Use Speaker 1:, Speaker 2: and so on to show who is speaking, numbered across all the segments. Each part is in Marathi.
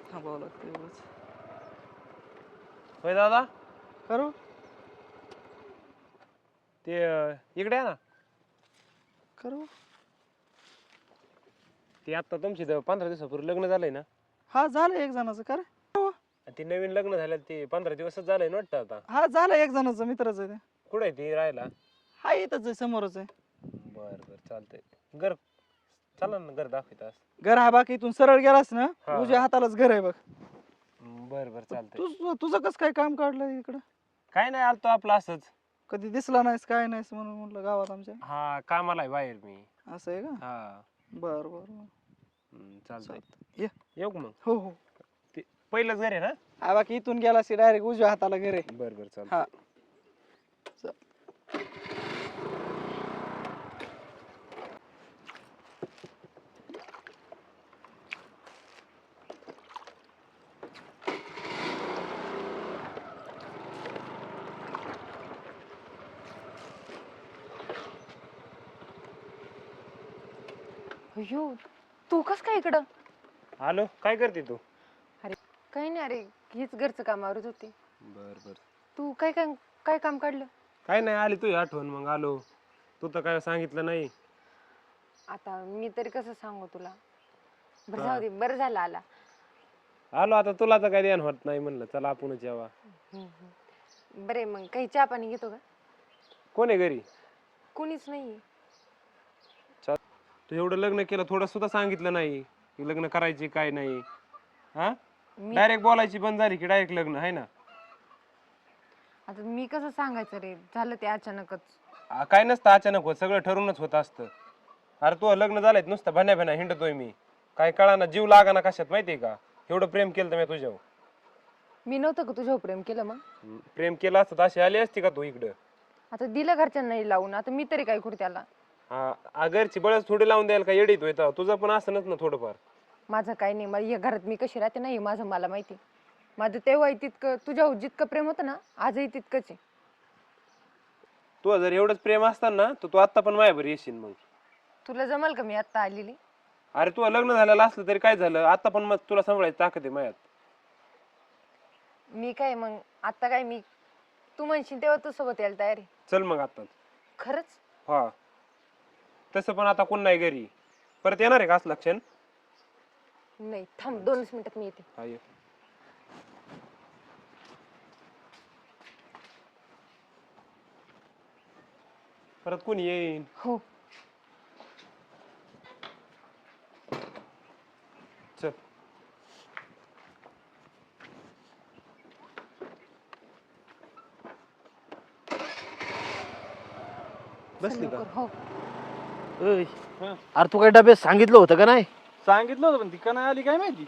Speaker 1: थांबावं लागतं एवढंच.
Speaker 2: होय दादा
Speaker 1: करू
Speaker 2: ते इकडे आहे ना.
Speaker 1: करू
Speaker 2: ते आता तुमची 15 दिवसापूर्वी लग्न झालंय ना.
Speaker 1: हा झालं एक जणाचं कर.
Speaker 2: आणि ते नवीन लग्न झालं ते 15 दिवसच झालंय ना वाटतं आता.
Speaker 1: हा झालं एक जणाचं मित्राचं आहे ते.
Speaker 2: कुठे आहे ते राहायला?
Speaker 1: हा इथंच आहे समोरच आहे.
Speaker 2: बर बर चालतंय. घर चला ना घर दाखवतास.
Speaker 1: घर हा बाकी इथून सरळ गेलास ना
Speaker 2: हा.
Speaker 1: उजव्या हातालाच घर आहे बघ.
Speaker 2: बर बर चालतंय.
Speaker 1: तुझं कसं काय काम काढलं इकडं?
Speaker 2: काय नाही आलतो आपलं असंच.
Speaker 1: कधी दिसला नाहीस काय नाहीस म्हणून म्हटलं गावात आमच्या.
Speaker 2: हा कामाला आहे बाहेर मी.
Speaker 1: असं आहे का?
Speaker 2: हा
Speaker 1: बर बर बर.
Speaker 2: चालतंय.
Speaker 1: ये
Speaker 2: येऊ का मग?
Speaker 1: हो हो.
Speaker 2: ते पहिलंच घर आहे ना.
Speaker 1: हा बाकी इथून गेलास डायरेक्ट उजव्या हाताला घर आहे.
Speaker 2: बर बर
Speaker 1: हा
Speaker 2: चालतंय.
Speaker 3: अयो तू कस काय इकडं?
Speaker 2: हॅलो काय करते तू?
Speaker 3: अरे काही नाही, अरे हीच घरचं काम आवरत होती.
Speaker 2: बर बर.
Speaker 3: तू काय काय काय काम काढलं?
Speaker 2: काय नाही आली तुझी आठवण मग आलो. तू तर काय सांगितलं नाही.
Speaker 3: आता मी तरी कसं सांगू तुला. बरं जाऊ दे, बरं झालं आला.
Speaker 2: आलो आता तुला तर काय ध्यान होत नाही म्हणलं चला आपणच यावा.
Speaker 3: बरे मग काही चहा पाणी घेतो का?
Speaker 2: कोण आहे घरी?
Speaker 3: कोणीच नाही.
Speaker 2: तू एवढं लग्न केलं थोडं सुद्धा सांगितलं नाही की लग्न करायची काय नाही. हा डायरेक्ट बोलायची बंद झाली की डायरेक्ट लग्न आहे ना.
Speaker 3: आता मी कसं सांगायचं रे, झालं ते अचानकच.
Speaker 2: काय नसतं अचानक होत, सगळं ठरूनच होत असतं. अरे तू लग्न झालंय नुसतं भन्या भन्या हिंडतोय मी. काय कळाना जीव लागाना कशात माहितीये का. एवढं प्रेम केलं तर मी तुझ्यावर.
Speaker 3: मी नव्हतं का तुझ्यावर प्रेम केलं मग?
Speaker 2: प्रेम केलं असतं तर अशी आली असती का तू इकडं?
Speaker 3: आता दिलं घरच्यांना नाही लावून, आता मी तरी काय करू त्याला?
Speaker 2: हा घरची बळच थोडी लावून द्यायला काय येडीत होय तुझं पण असनच ना थोडंफार.
Speaker 3: माझं काही नाही, मला या घरात मी कशी राहते नाही माझं मला माहिती. माझं तेव्हाही तितकं तुझ्यावर जितकं प्रेम होतं ना आजही तितकंच आहे.
Speaker 2: तू जर एवढंच प्रेम असतं ना तर तू आता पण माझ्यावर येशील मग.
Speaker 3: तुला जमल का मी आता आलेली?
Speaker 2: अरे तू लग्न झालेलं असलं तरी काय झालं आता पण मग तुला सांभाळायची ताकद आहे माझ्यात.
Speaker 3: मी काय मग आता काय मी तू म्हणशील तेव्हा तू सोबत यायला तयार आहे.
Speaker 2: चल मग आता.
Speaker 3: खरंच?
Speaker 2: हा तसं पण आता कोण नाही घरी. परत येणार आहे का असं लक्षण?
Speaker 3: नाही थांब 2 मिनिटात मी येते.
Speaker 2: हा ये. परत कोणी येईन.
Speaker 3: हो
Speaker 2: चल बसली का?
Speaker 3: हो.
Speaker 4: अरे तू काही डबे सांगितलं होतं का नाही?
Speaker 1: सांगितलं होतं पण ती का नाही आली काय माहिती.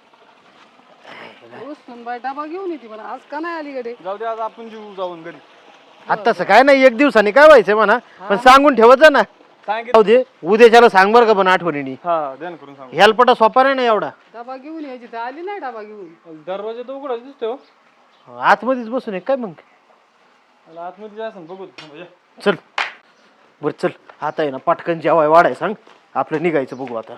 Speaker 1: बाई डबा घेऊन येते म्हणा, आज का नाही आली कडे. जाऊ दे आज आपण जीव जाऊन घरी.
Speaker 4: आता तसं काय नाही, एक दिवसाने काय व्हायचंय म्हणा, पण सांगून ठेवत जा ना. जाऊ दे उद्याच्याला सांग बरं का पण आठवणीने.
Speaker 1: हा ध्यान करून सांग.
Speaker 4: हेल्पटा सोपा नाही ना एवढा.
Speaker 1: डबा घेऊन यायची तर आली नाही डबा घेऊन. दरवाजा तर उघडाच दिसतोय.
Speaker 4: आतमध्येच बसून आहे काय मग?
Speaker 1: आतमध्ये जायचं बघू.
Speaker 4: चल बर चल, आता आहे ना पटकन जेवाय वाढाय सांग, आपलं निघायचं बघू आता.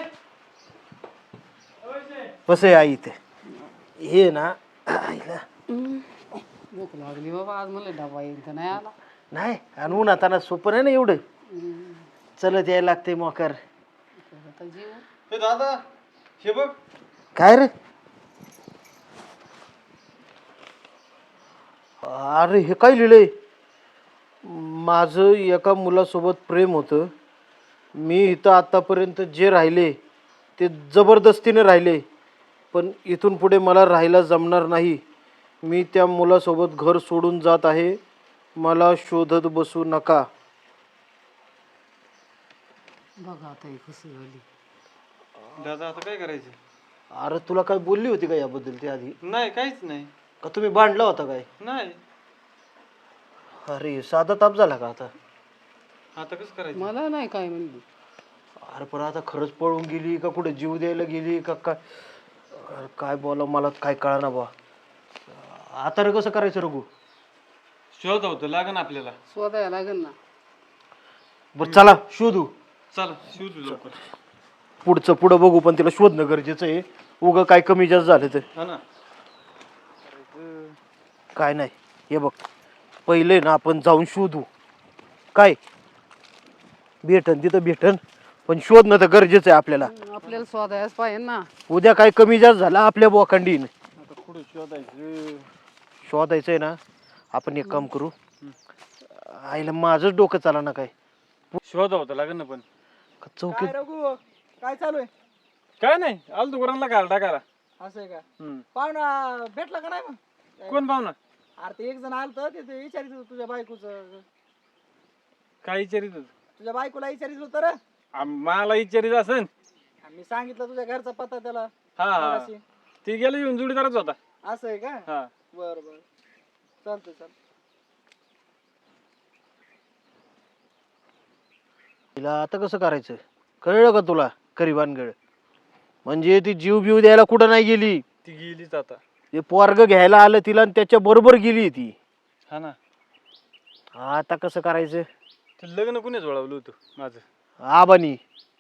Speaker 4: कसं आहे आई ते हे ना आईला
Speaker 5: भूक लागली बाबा, आज मला डबा येईल तर नाही आला.
Speaker 4: नाही आणि उन्हात आणा सोपं नाही ना एवढं. चलत यायला लागते मोकर.
Speaker 1: दादा हे बघ.
Speaker 4: काय रे? अरे हे काय लिहिलंय? माझं एका मुलासोबत प्रेम होतं. मी इथं आतापर्यंत जे राहिले ते जबरदस्तीने राहिले, पण इथून पुढे मला राहायला जमणार नाही. मी त्या मुलासोबत घर सोडून जात आहे. मला शोधत बसू नका.
Speaker 5: बघा आता ही कसं झाली.
Speaker 1: दादा आता काय करायचं?
Speaker 4: अरे तुला काय बोलली होती का याबद्दल ते आधी?
Speaker 1: नाही काहीच नाही.
Speaker 4: का तुम्ही भांडला होता काय?
Speaker 1: नाही.
Speaker 4: अरे साधा ताप झाला का आता?
Speaker 1: आता कसं करायचं?
Speaker 5: मला नाही काय म्हणली.
Speaker 4: अरे पण आता खरंच पळून गेली का कुठे जीव द्यायला गेली का काय? अरे काय बोला मला काय कळना बा. आता रे कसं करायचं रघु?
Speaker 1: शोध होतं लागन आपल्याला.
Speaker 5: शोधायला लागेल ना.
Speaker 4: बरं चला शोधू.
Speaker 1: चला शोधू लवकर.
Speaker 4: पुढचं पुढं बघू, पण तिला शोधणं गरजेचं आहे. उगं काय कमी जास्त झालं तर.
Speaker 1: हा ना.
Speaker 4: काय नाही, हे बघ, पहिले ना आपण जाऊन शोधू. काय भेटन तिथं भेटन, पण शोधणं तर गरजेचं आहे आपल्याला.
Speaker 5: आपल्याला शोधायच पाहिजे ना.
Speaker 4: उद्या काय कमी जास्त झाला आपल्या बोकांडीन.
Speaker 1: आता कुठं शोधायचं?
Speaker 4: शोधायचंय ना, आपण एक काम करू. आईला माझंच डोकं चाला ना काय.
Speaker 1: शोधा होता लागेल ना पण.
Speaker 4: चौकीत
Speaker 6: काय चालू आहे?
Speaker 1: काय नाही, आलो दुकानाला घाल टाकायला.
Speaker 6: असं आहे का?
Speaker 1: हम्म.
Speaker 6: पाहुणा भेटला का नाही मग?
Speaker 1: कोण पाहुणा?
Speaker 6: अरे ते एक जण आलं तर ते विचारित होतं तुझ्या बायकोचं.
Speaker 1: काय विचारित होत?
Speaker 6: तुझ्या बायकोला विचारित होतं रे.
Speaker 1: मला विचारित असन.
Speaker 6: मी सांगितलं तुझ्या घरचा पत्ता त्याला.
Speaker 1: हा हा.
Speaker 6: मगाशी.
Speaker 1: ती गेला येऊन जोडीदारच होता.
Speaker 6: असं आहे का?
Speaker 1: हा.
Speaker 6: बर बर, चालतंय चालतंय.
Speaker 4: तिला आता कसं करायचं कळलं का तुला? करी भानगड म्हणजे ती जीव बिव द्यायला कुठं नाही गेली.
Speaker 1: ती गेलीच आता.
Speaker 4: ते पोरग घ्यायला आलं तिला आणि त्याच्या बरोबर गेली ती.
Speaker 1: हा ना.
Speaker 4: आता कसं करायचं?
Speaker 1: ते लग्न कुणी जोडावलं होतं माझं?
Speaker 4: आबानी.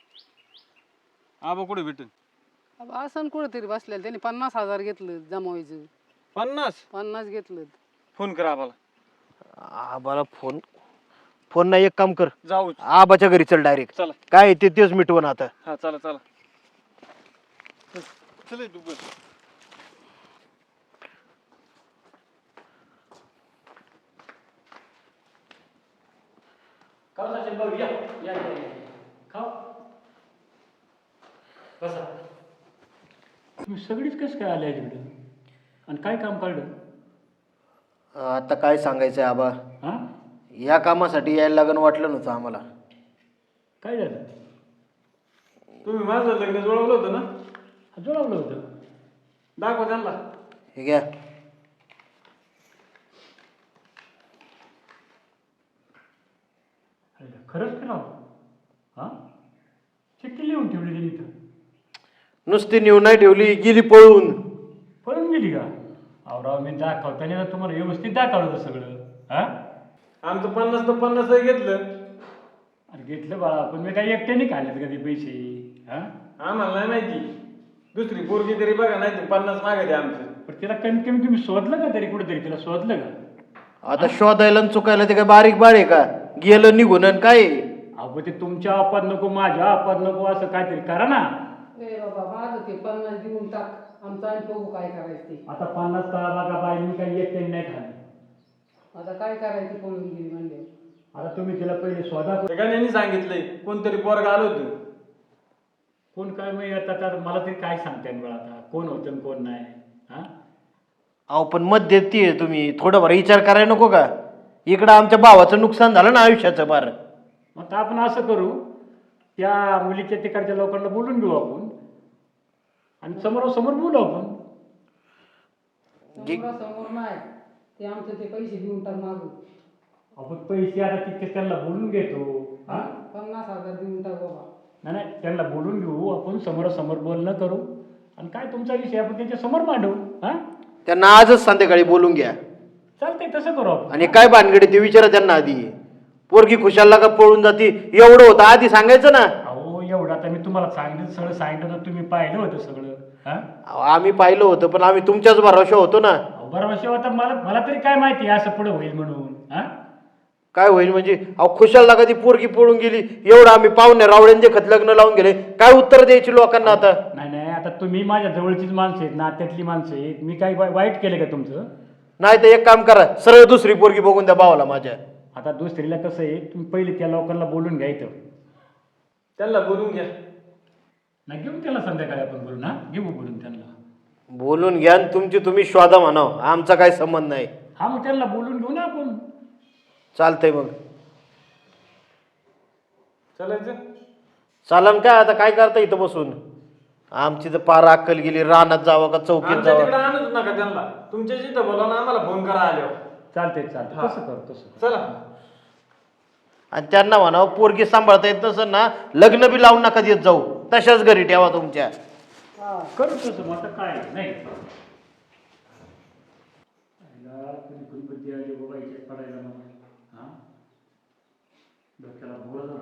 Speaker 1: आबा कुठे भेटून?
Speaker 5: असं कुठेतरी बसलेलं त्यांनी 50,000 घेतलं जमावायचं.
Speaker 1: 50
Speaker 5: घेतलं.
Speaker 1: फोन करा आबाला.
Speaker 4: आबाला फोन फोन नाही, एक काम कर,
Speaker 1: जाऊ.
Speaker 4: आबाच्या घरी चल डायरेक्ट.
Speaker 1: चला.
Speaker 4: काय ते तेच मिटवून आता.
Speaker 1: हा चला चला. चल दुबई.
Speaker 7: तुम्ही सगळीच कसं काय आले तिकडे आणि काय काम काढलं?
Speaker 4: आता काय सांगायचंय आबा,
Speaker 7: हां
Speaker 4: या कामासाठी यायला लागण वाटलं नव्हतं आम्हाला.
Speaker 7: काय झालं?
Speaker 1: तुम्ही माझं लग्न जोडवलं होतं ना?
Speaker 7: जुळवलं होतं.
Speaker 1: दाखवा त्यांना.
Speaker 4: हे घ्या.
Speaker 7: खरंच केलं? हां चिठ्ठी लिहून ठेवली त्यांनी इथं.
Speaker 4: नुसती नेऊन नाही ठेवली, गेली पळून.
Speaker 7: पळून गेली का? अहो राव, मी दाखव त्याने तर तुम्हाला व्यवस्थित दाखवलं होतं सगळं. हां
Speaker 1: आमचं 50 तर 50 घेतलं.
Speaker 7: अरे घेतलं बाळा, पण मी काही एकट्याने काढलेत का ते पैसे? हां
Speaker 1: आम्हाला नाही माहिती. दुसरी पोरगी तरी बघा, नाही ते 50 मागायचे आमचं.
Speaker 7: पण तिला कमीत कमी तुम्ही शोधलं का तरी कुठेतरी? तिला शोधलं का?
Speaker 4: आता शोधायला आणि चुकायला ते काय बारीक बाळ आहे का? गेलं निघून आणि काय?
Speaker 7: अहो ते तुमच्या आपत नको, माझ्या आपत नको, असं काहीतरी करा ना.
Speaker 5: ए बाबा, माझं ते 50 देऊन टाक. आमचं आणि बघू काय करायचं ते.
Speaker 7: आता 50 तळा बघा बाई, मी काही एकट्याने नाही खाल्ली.
Speaker 5: आता काय करायचं पळून गेली म्हणजे.
Speaker 7: आता तुम्ही तिला पहिले शोधा.
Speaker 1: यांनी सांगितलंय कोणतरी पोरग आलं होतं.
Speaker 7: कोण काय मग आता मला तरी काय सांगताय बरं आता कोण होतं आणि कोण नाही? हा
Speaker 4: अहो पण मत देतीये तुम्ही, थोडंफार विचार करायला नको का? इकडं आमच्या भावाचं नुकसान झालं ना आयुष्याचं बार.
Speaker 7: मग आता आपण असं करू, त्या मुलीच्या तिकडच्या लोकांना बोलून घेऊ आपण आणि समोरासमोर बोलू आपण.
Speaker 5: समोर नाही, ते आमचं ते पैसे देऊन टाक मागू.
Speaker 7: आपण पैसे आता तितके त्यांना बोलून घेतो. हा
Speaker 5: 50,000 देऊन टाक बाबा.
Speaker 7: नाही नाही, त्यांना बोलून घेऊ आपण, समोरासमोर बोलणं करू आणि काय तुमचा विषय आपण त्यांच्या समोर मांडू. हा
Speaker 4: त्यांना आजच संध्याकाळी बोलून घ्या.
Speaker 7: चालतंय, तसं करू आपण.
Speaker 4: आणि काय भानगडी ते विचारा त्यांना आधी. पोरगी खुशालला का पळून जाती एवढं होतं आधी सांगायचं ना.
Speaker 7: अहो एवढं आता मी तुम्हाला सांगितलं, सगळं सांगितलं तर तुम्ही पाहिलं होतं सगळं. हा
Speaker 4: अहो, आम्ही पाहिलं होतं पण आम्ही तुमच्याच भरोशा होतो ना.
Speaker 7: बरोबर होता. मला तरी काय माहिती असं पुढे होईल म्हणून. हा
Speaker 4: काय होईल म्हणजे? अहो खुशालला का ती पोरगी पळून गेली एवढं आम्ही पाहुणे रावड्यांचे खत लग्न लावून गेले, काय उत्तर द्यायची लोकांना आता?
Speaker 7: नाही नाही, आता तुम्ही माझ्या जवळचीच माणसं आहेत, नात्यातली माणसं आहेत. मी काही वाईट केलं का तुमचं?
Speaker 4: नाही तर एक काम करा, सरळ दुसरी पोरगी बघून द्या भावाला माझ्या.
Speaker 7: आता दुसरीला कसं आहे, तुम्ही पहिले त्या लोकांना बोलून घ्यायचं.
Speaker 1: त्यांना बोलून घ्या.
Speaker 7: नाही घेऊन त्याला संध्याकाळी आपण बोलू ना, घेऊ बोलून त्यांना.
Speaker 4: बोलून घ्या आणि तुमची तुम्ही शोधा म्हणाव, आमचा काही संबंध नाही.
Speaker 7: हा मग त्यांना बोलून घेऊ ना आपण.
Speaker 4: चालतंय मग.
Speaker 1: चालायचं.
Speaker 4: चालन काय आता काय करता इथं बसून? आमची तर पार अक्कल गेली, रानात जावं का चौकीत
Speaker 1: आमच्या तिकडे
Speaker 4: जावं?
Speaker 1: आणूच नका त्यांना. तुमच्या जिथं बोला ना, आम्हाला फोन करा आल्यावर.
Speaker 7: चालतंय चालतंय,
Speaker 1: हा.
Speaker 7: तसं करू तसं.
Speaker 1: चला.
Speaker 4: आणि त्यांना म्हणावं पोरगी सांभाळता येत नसेल ना, लग्न बी लावून नका देत जाऊ, तशाच घरी ठेवा तुमच्या.
Speaker 7: करू तसं, मग आता काय नाही. कधी कधी बुद्धी आली बाबा इथे पडायला मला. हा डोक्याला बोलत